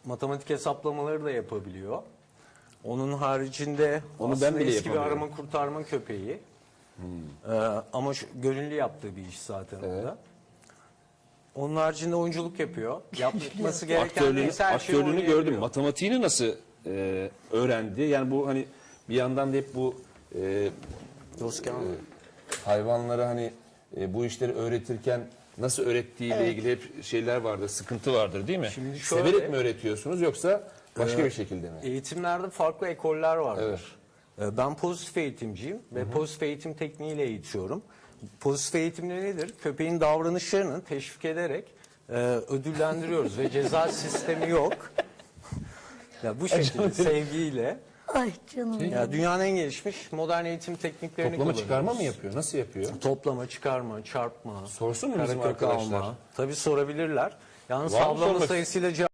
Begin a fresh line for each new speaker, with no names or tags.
matematik hesaplamaları da yapabiliyor. Onun haricinde
Onu
aslında
ben bile
eski bir
yapamıyorum.
arama kurtarma köpeği. Ama gönüllü yaptığı bir iş zaten orada. Onun haricinde oyunculuk yapıyor. Yapması gereken neyse her şeyi
Aktörlüğünü
oynayabiliyor.
gördüm. Matematiğini nasıl öğrendi? Yani bu hani bir yandan da hep bu hayvanlara hani bu işleri öğretirken nasıl öğrettiğiyle ilgili hep şeyler vardır, sıkıntı vardır değil mi?
Şimdi şöyle-
Severek mi öğretiyorsunuz yoksa başka bir şekilde mi?
Eğitimlerde farklı ekoller vardır. Ben pozitif eğitimciyim ve pozitif eğitim tekniğiyle eğitiyorum. Pozitif eğitimde nedir? Köpeğin davranışlarını teşvik ederek ödüllendiriyoruz ve ceza sistemi yok. Ya bu şekilde sevgiyle.
Ay canım.
Ya dünyanın en gelişmiş modern eğitim tekniklerini
Toplama
kullanıyoruz.
çıkarma mı yapıyor? Nasıl yapıyor?
Toplama, çıkarma, çarpma,
Sorsun mu bizim
karekök
arkadaşlar?
alma. Tabii sorabilirler. Yalnız
Var mı
havlama
sormak-
sayısıyla